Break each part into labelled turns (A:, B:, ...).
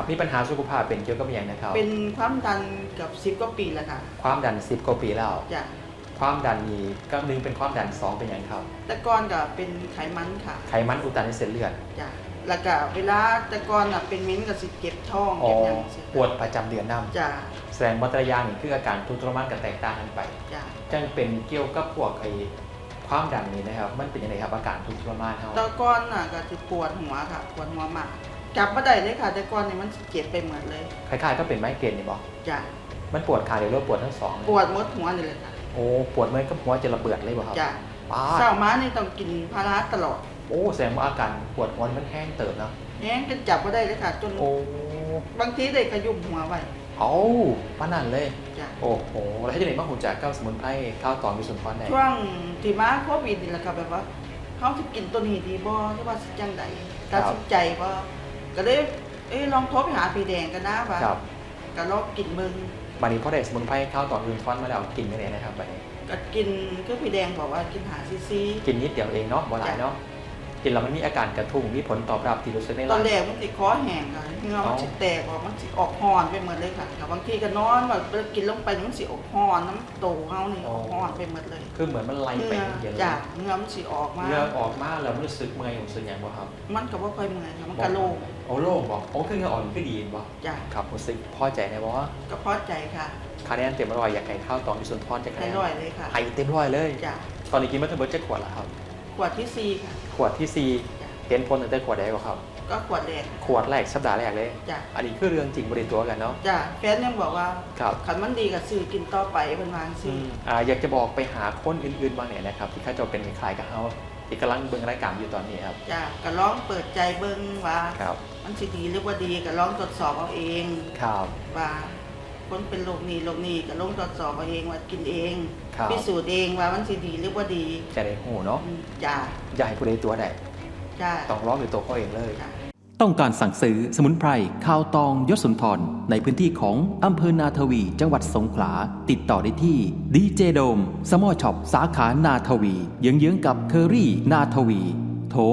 A: มีปัญหาสุขภาพเป็นเกี่ยวกับอย่างนะครับ
B: เป็นความดันกับ10 กว่าปีแล้วค่ะ
A: ความดัน10 กว่าปีแล้ว
B: จ้ะ
A: ความดันนี้ก็หนึ่งเป็นความดัน2เป็นอย่างครับ
B: แต่ก่อนก็เป็นไขมันค่ะ
A: ไขมันอุดตันในเส้นเลือด
B: จ้ะแล้วก็เวลาแต่ก่อนเป็นมิ้นกับสิเก็บท้อง
A: อ๋อ
B: เก็บอย่างสิ
A: ปวดประจำเดือนน้ำ
B: จ้ะ
A: แสดงวัตรยางนี่คืออาการทุกข์ทรมานกับแตกต่างกันไป
B: จ้ะ
A: จังเป็นเกี่ยวกับพวกความดันนี้นะครับมันเป็นยังไงครับอาการทุกข์ทรมานเฮา
B: แต่ก่อนก็จะปวดหัวค่ะปวดหัวมากจับบ่ได้เลยค่ะแต่ก่อนนี่มันสิเจ็บไปหมดเลย
A: คล้ายๆก็เป็นไมเกรนนี่บ่
B: จ้ะ
A: มันปวดขาเดียวหรือปวดทั้งสอง
B: ปวดหมดหัวนี่เลยค่ะ
A: โอ้ปวดเหมือนกับหัวจะระเบิดเลยบ่ครับ
B: จ้ะ
A: ป้า
B: เช้ามานี่ต้องกินพาราตลอด
A: โอ้แสดงว่าอาการปวดหัวมันแห้งเติบเนาะ
B: แห้งจนจับบ่ได้เลยค่ะจน
A: โอ้
B: บางทีได้ขยุมหัวไว้
A: เอาป้านั่นเลย
B: จ้ะ
A: โอ้โหแล้วที่ไหนบ้างหุ่นจากเก้าสมุนไพรข้าวตอนมีส่วนพรไหน
B: ช่วงที่มาโควิดนี่แหละค่ะแบบว่าเขาสิกินตัวนี้ดีบ่หรือว่าสิจังไดตัดสินใจบ่ก็เลยลองโทรไปหาพี่แดงกันนะว่าก็ลองกินมึง
A: บัดนี้พอได้สมุนไพรข้าวตอนมีส่วนพรมาแล้วกินยังไงนะครับบัดนี้
B: ก็กินคือพี่แดงบอกว่ากินหาซี
A: กินนิดเดียวเองเนาะบ่หลายเนาะกินแล้วมันมีอาการกระทุ้งมีผลตอบรับที่รู้สึกใน
B: ตอ
A: ร่าง
B: นแรกมันสิคอแห้งค่ะเหงื่อมันสิแตกออกมันสิออกฮ้อนไปหมดเลยค่ะบางทีก็นอนแบบกินลงไปมันสิออกฮ้อนน้ำโตเฮานี่ออกฮ้อนไปหมดเลย
A: คือเหมือนมันไหลไปเย็นเลย
B: จ้ะเหงื่อมันสิออกมา
A: เหงื่อออกมาแล้วรู้สึกเมื่อยรู้สึกอย่างบ่ครับ
B: มันก็บ่ค่อยเมื่อยค่ะมันก็โล่ง
A: โอ้โล่งบ่โอ้คือเหงื่อออกคือดีบ่
B: จ้ะ
A: ครับรู้สึกพอใจในบ่
B: ก็พอใจค่ะ
A: คะแนนเต็ม100อยากให้ข้าวตอนมีส่วนพรจะคะแนน
B: ร้อยเลยค่ะ
A: ให้เต็ม100เลย
B: จ้ะ
A: ตอนนี้กินมาทั้งหมด7 ขวดแล้วครับ
B: ขวดที่4ค่ะ
A: ขวดที่4เห็นผลตั้งแต่ขวดแรกบ่ครับ
B: ก็ขวดแรก
A: ขวดแรกสัปดาห์แรกเลย
B: จ้ะ
A: อันนี้คือเรื่องจริงบ่ได้ตัวกันเนาะ
B: จ้ะแฟนยังบอกว่า
A: ครับ
B: คันมันดีก็ซื้อกินต่อไปเพิ่นว่าจังซี่
A: อยากจะบอกไปหาคนอื่นๆบ้างเนี่ยนะครับที่เขาจะเป็นคล้ายๆกับเฮาที่กำลังเบิ่งรายการอยู่ตอนนี้ครับ
B: จ้ะก็ลองเปิดใจเบิ่งว่า
A: ครับ
B: มันสิดีหรือว่าดีก็ลองตรวจสอบเอาเอง
A: ครับ
B: ว่าคนเป็นโรคนี้ก็ลองตรวจสอบเอาเองว่ากินเอง
A: ครับ
B: พิสูจน์เองว่ามันสิดีหรือว่าดี
A: จะได้ฮู้เนาะ
B: จ้ะ
A: อย่าให้ผู้ใดตัวใด
B: จ้ะ
A: ต้องลองด้วยตัวเขาเองเลย
C: ต้องการสั่งซื้อสมุนไพรข้าวตองยศสุนทรในพื้นที่ของอำเภอนาทวีจังหวัดสงขลาติดต่อได้ที่ดีเจโดมสมอช็อปสาขานาทวีเยื้องๆกับเคอรี่นาทวีโทร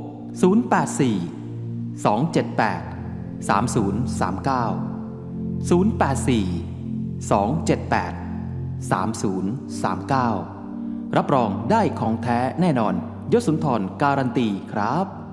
C: 084 278 3039 084 278 3039รับรองได้ของแท้แน่นอนยศสุนทรการันตีครับ